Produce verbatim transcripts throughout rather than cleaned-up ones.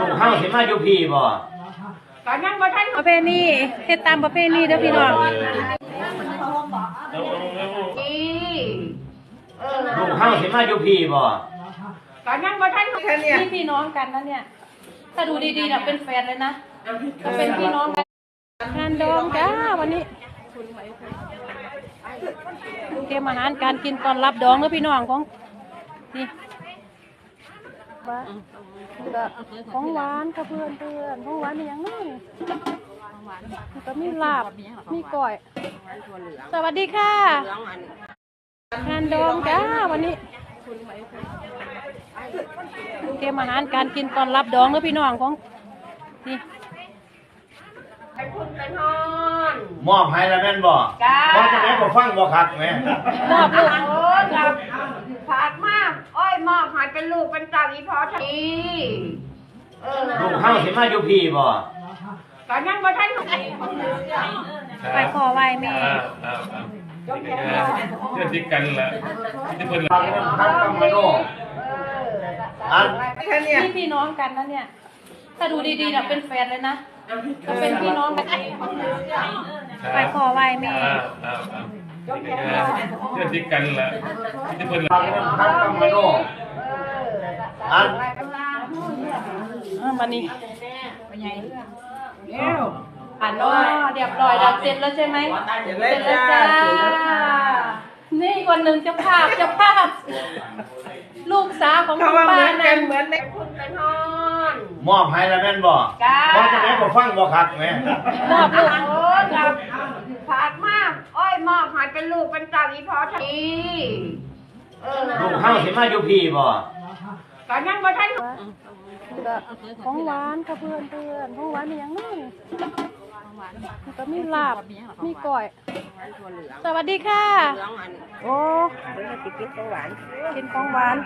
กเข้าสิมาอยู่พี่บ่ก็ยังบ่ทันประเพณีเฮ็ดตามประเพณีเด้อพี่น้องลูกเข้าสิมาอยู่พี่บ่ก็ยังบ่ทันพี่พี่น้องกันนะเนี่ยถ้าดูดีๆน่ะเป็นแฟนเลยนะก็เป็นพี่น้องกันงานดองจ้าวันนี้เตรียมอาหารการกินตอนรับดองเด้อพี่น้องของนี่ของหวานค่ะเพื่อนเพื่อนของหวานมีอย่างนี้ก็มีลาบมีก้อยสวัสดีค่ะงานดองจ้าวันนี้เตรียมอาหารการกินตอนรับดองเด้อพี่น้องของนี่มอบให้แล้วแม่นบ่มอบจะไหนบ่ฟังบ่คักแม่มอบลูกโอ้กับฝากมากอ้อยมอบให้เป็นลูกเป็นเต่าอีพอทีลูกเข้าสิมาอยู่พี่บ่ก็ยังบ่ทันไปขอไหว้แม่เพื่อนที่กันละที่เพิ่นฟังคักกับมโนอันพี่พี่น้องกันนะเนี่ยถ้าดูดีๆน่ะเป็นแฟนเลยนะก็เป็นพี่น้องกันไปขอไหว้แม่เพื่อนที่กันละที่เพิ่นฟังคักกับมโนอันวันนี้อ่านว่าเรียบร้อยแล้วเสร็จแล้วใช่ไหมเสร็จแล้วจ้านี่คนหนึ่งจะภาพจะภาพลูกสาวของคุณป้านั่นเหมือนในคุณเป็นฮอนมอบให้แล้วแม่นบ่มอบจะไหนบ่ฟังบ่คักแม่มอบลูกโอ้กับฝากมากอ้อยมอบให้เป็นลูกเป็นเต่าอีพอทีลูกเข้าสิมาอยู่พี่บ่ก็ยังบ่ทันของหวานค่ะเพื่อนเพื่อนของหวานมีอย่างนี้ก็มีลาบมีก้อยสวัสดีค่ะโอ้กินของหวานกินของหวาน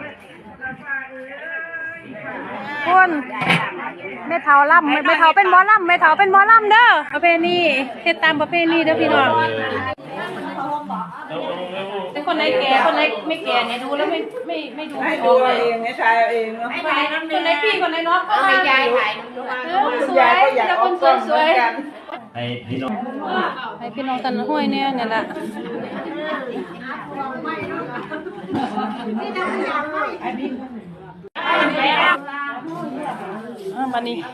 คุณแม่เฒ่าล่ำแม่เฒ่าเป็นหมอล่ำแม่เฒ่าเป็นหมอล่ำเด้อประเพณีเฮ็ดตามประเพณีเด้อพี่น้องเป็นคนไหนแก่คนไหนไม่แก่เนี่ยดูแล้วไม่ไม่ไม่ดูไม่ออกเลยเองไม่ใช่เองเนาะคนไหนพี่คนไหนน้องก็ให้ยายถ่ายสวยแล้วคนสวยสวยให้พี่น้องให้พี่น้องตันห้วยเนี่ยเนี่ยแหละวันนี้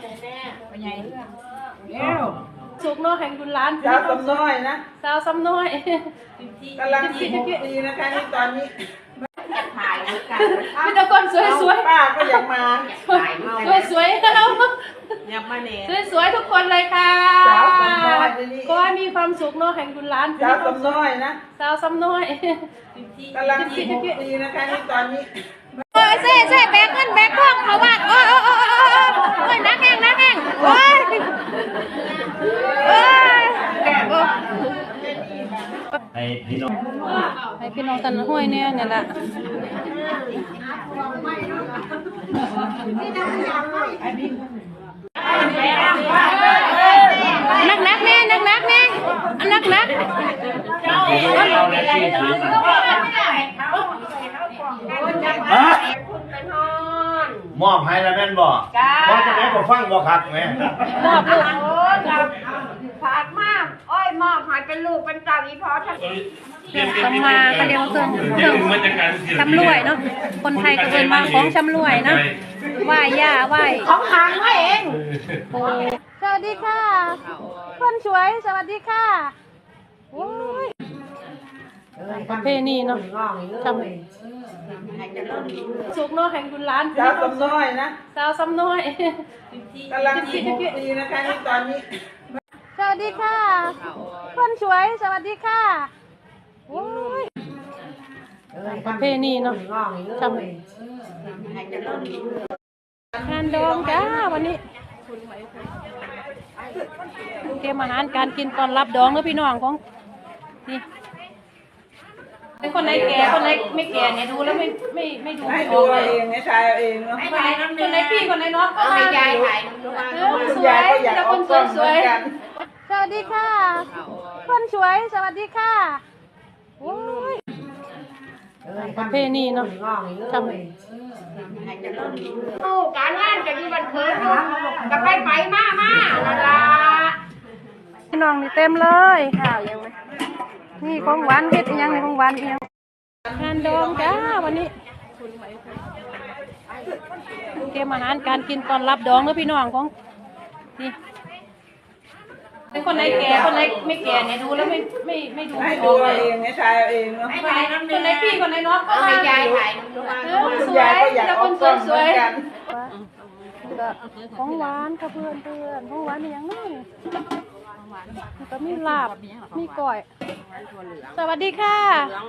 สุกน้อยแห่งคุณล้านสาวสำน้อยนะสาวสำน้อยกำลังสิบหกปีนะคะนี่ตอนนี้ถ่ายกันมีแต่คนสวยสวยป้าก็อยากมาสวยสวยแล้วอยากมาเนี่ยสวยสวยทุกคนเลยค่ะก็มีความสุขเนาะแห่งคุณล้านสาวสำน้อยนะสาวสำน้อยกำลังสิบหกปีนะคะนี่ตอนนี้โอ้ยเซ่เซ่แบกเงินแบกทองเขาว่าโอ้ยโอ้ยโอ้ยโอ้ยนักแห้งนักแห้งโอ้ยโอ้ยให้พี่น้องให้พี่น้องตันห้วยเนี่ยเนี่ยแหละนักนักแน่นักนักแน่นักนักมอบให้แล้วแม่นบ่มอบจะไหนบ่ฟังบ่คักแม่มอบลูกโอ้กับฝากมากอ้อยมอบให้เป็นลูกเป็นเต่าอีพอทีทำมาก็เรียกว่าเครื่องเครื่องชำรวยเนาะคนไทยก็เป็นมาของชำรวยเนาะไหว้ย่าไหว้ของหางไว้เองโอ้สวัสดีค่ะคนสวยสวัสดีค่ะโอ้ยประเพณีเนาะทำสุกเนาะแห่งคุณล้านสาวสำน้อยนะสาวสำน้อยกำลังสิบหกปีนะคะนี่ตอนนี้สวัสดีค่ะคนสวยสวัสดีค่ะโอ้ยประเพณีเนาะทำงานดองจ้าวันนี้เตรียมอาหารการกินตอนรับดองเด้อพี่น้องของนี่เป็นคนไหนแก่คนไหนไม่แก่เนี่ยดูแล้วไม่ไม่ไม่ดูไม่ออกเลยเองไม่ใช่เองเนาะคนไหนพี่คนไหนน้องก็ให้ยายถ่ายสวยแล้วคนสวยสวยสวัสดีค่ะคนสวยสวัสดีค่ะโอ้ยประเพณีเนาะทำโอ้การงานจะอยู่บันเทิงจะไปไปมามานั่นล่ะพี่น้องนี่เต็มเลยข้าวยังไหมนี่ของหวานเฮ็ดอีหยังนี่ของหวานอีหยังงานดองจ้าวันนี้เตรียมอาหารการกินตอนรับดองเด้อพี่น้องของนี่เป็นคนไหนแก่คนไหนไม่แก่เนี่ยดูแล้วไม่ไม่ไม่ดูให้ไม่อดูอกเลเอายเองให้ชายเอาเองเนาะคนไหนพี่คนไหนน้องก็เอามาให้ยายถ่ายดูเออสคุณวยยายก็อยากแล้วอคอกนกล้องสเหมืวอนยกันของหวานค่ะเพื่อนเพื่อนของหวานมีอย่างนี้ก็มีลาบมีก้อยสวัสดีค่ะ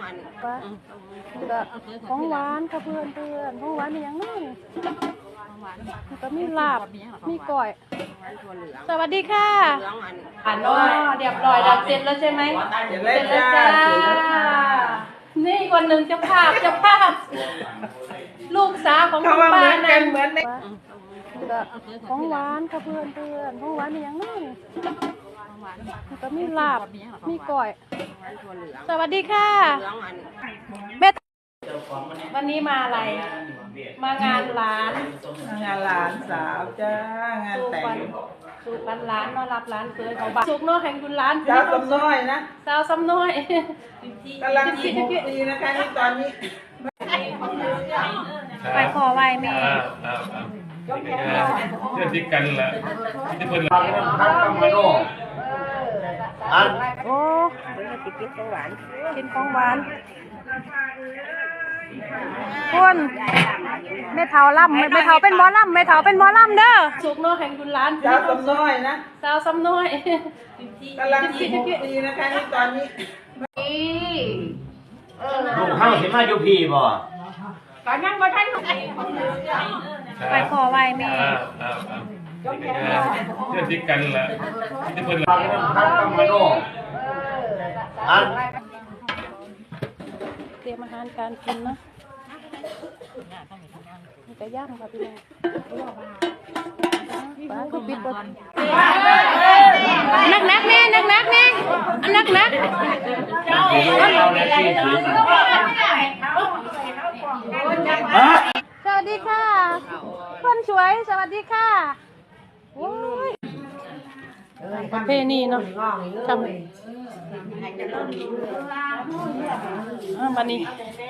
ของหวานค่ะเพื่อนเพื่อนของหวานมีอย่างนี้ก็มีลาบมีก้อยสวัสดีค่ะอ่านอ๋อเรียบร้อยแล้วเสร็จแล้วใช่ไหมเดี๋ยวเสเล่ร็นจแล้วจ้าจ้านี่คนหนึ่งจะภาพจะภาพ ลูกสาวของเขาคุณว่าเหป้ามือนกันั่นนเหมือนในของหวานค่ะเพื่อนเพื่อนของหวานมีอย่างนี้ก็มีลาบมีก้อยสวัสดีค่ะแม่วันนี้มาอะไร มางานหลานงานหลานสาวจ้างานแต่งสูตรหลานต้อนรับหลานเคยเขาบ้านสุกเนาะแห่งคุณหลานสาวสำน้อยนะสาวซ้ำน้อยกำลังสิบหกปีนะคะนี่ตอนนี้ไปขอไหว้แม่อ้าวอ้าวอ้าวเพื่อนที่กันละที่เพื่อนฟังน้ำคัดกำมโนอันโอ้กินของหวานกินของหวานคุณแม่เฒ่าล่ำแม่เฒ่าเป็นหมอล่ำแม่เฒ่าเป็นหมอล่ำเด้อสุกเนาะแห่งคุณหลานสาวสำน้อยนะสาวซ้ำน้อยกำลังสิบหกปีนะคะนี่ตอนนี้นี่เออลูกเข้าสิมาอยู่พี่บ่ตอนนั้นบ่ทันไปขอไหว้แม่อ้าวอ้าวอ้าวเพื่อนที่กันละที่เพื่อนฟังน้ำคัดกำมโนอันเตรียมอาหารการกินเนาะมีแต่ย่างค่ะพี่น้องปลาก็ปิดบดนักนักแม่นักนักแม่อันนักนักเอาในที่ถือสวัสดีค่ะคนสวยสวัสดีค่ะโอ้ยประเพณีเนาะทำอ่าบันนี้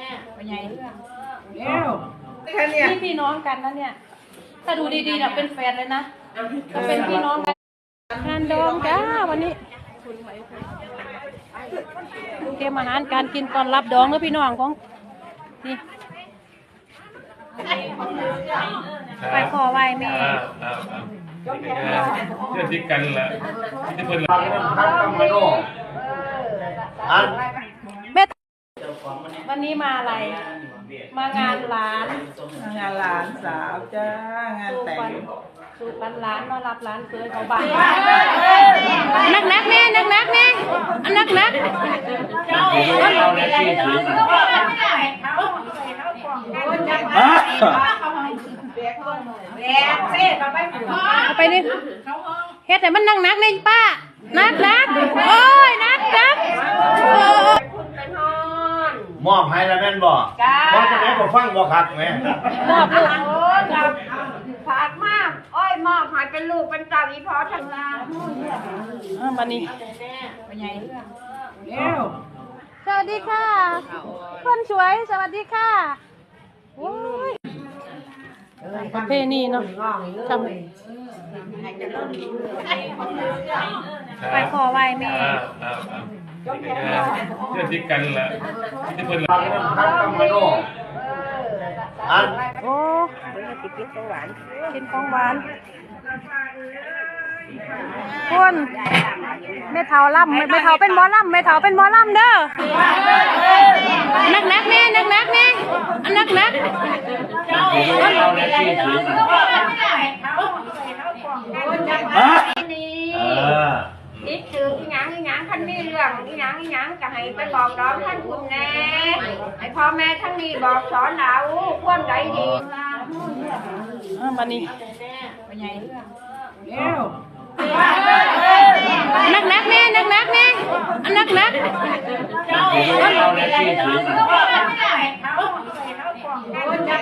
แค่เนี้ยนี่พี่น้องกันนะเนี่ย ถ้าดูดีๆนะเป็นแฟนเลยนะถ้าเป็นพี่น้องกันงานดองจ้าวันนี้เตรียมอาหารการกินตอนรับดองเด้อพี่น้องของนี่ไปขอไหว้แม่อ้าวอ้าวอ้าวเพื่อนที่กันละที่เพื่อนฟังน้ำคัดกำมโนอันแม่วันนี้มาอะไร มางานหลานงานหลานสาวจ้างานแต่งสูตรหลานต้อนรับหลานเคยเขาบ้านนักนักแม่นักนักแม่อันนักนักเอาในที่ถือแบกเซ่มาไปหมู่เอาไปนี่เฮ็ดให้มันนักนักเลยป้านักนักโอ้ยนักนักไปนอนมอบให้แล้วแม่นบ่บ่จะได้บ่ฟังบ่คักแม่มอบลูกโอ้ยครับฝากมากอ้อยมอบให้เป็นลูกเป็นเต่าอีพอทั้งลาอ่าบันนี้เอ้วสวัสดีค่ะคนสวยสวัสดีค่ะโอ้ยประเพณีเนาะทำไปขอไหว้แม่อ้าวอ้าวอ้าวเพื่อนที่กันละที่เพื่อนฟังน้ำคัดกำมโนอันโอ้กินของหวานกินของหวานคุณแม่เฒ่าล่ำแม่เฒ่าเป็นหมอล่ำแม่เฒ่าเป็นหมอล่ำเด้อนักนักแม่นักนักแม่อันนักนักเอาในที่ถือนี่เออคิดถึงอีหยังอีหยังท่านมีเรื่องอีหยังอีหยังจะให้ไปบอกน้องท่านคุณแน่ให้พ่อแม่ทั้งนี้บอกสอนเราควรใจดีอ่าบันนี้เอ้วนักนักแม่นักนักแม่อันนักนักเอาในที่ถือ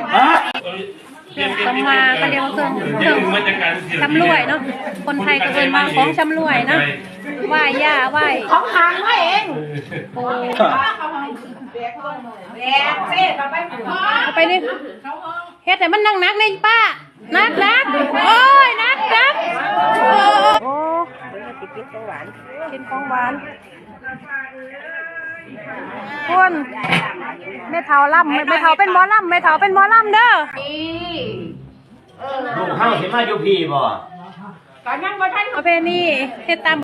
เครื่องสำมาก็เรียกว่าเครื่องเครื่องมาจากการชำรวยเนาะคนไทยก็เอิ้นว่าของชำรวยเนาะไหว้ย่าไหว้ของหางไว้เองปูแบกเซ่ก็ไปเอาไปนี่เฮ็ดให้มันนักๆนี่ป้านักนักโอ้ยนักนักโอ้กินของหวานกินของหวานคุณแม่เฒ่าล่ำแม่เฒ่าเป็นหมอล่ำแม่เฒ่าเป็นหมอล่ำเด้อดีเออลูกเฮาสิมาอยู่พี่บ่ตอนนั้นบ่ทันเอาไปนี่เฮ็ดตาม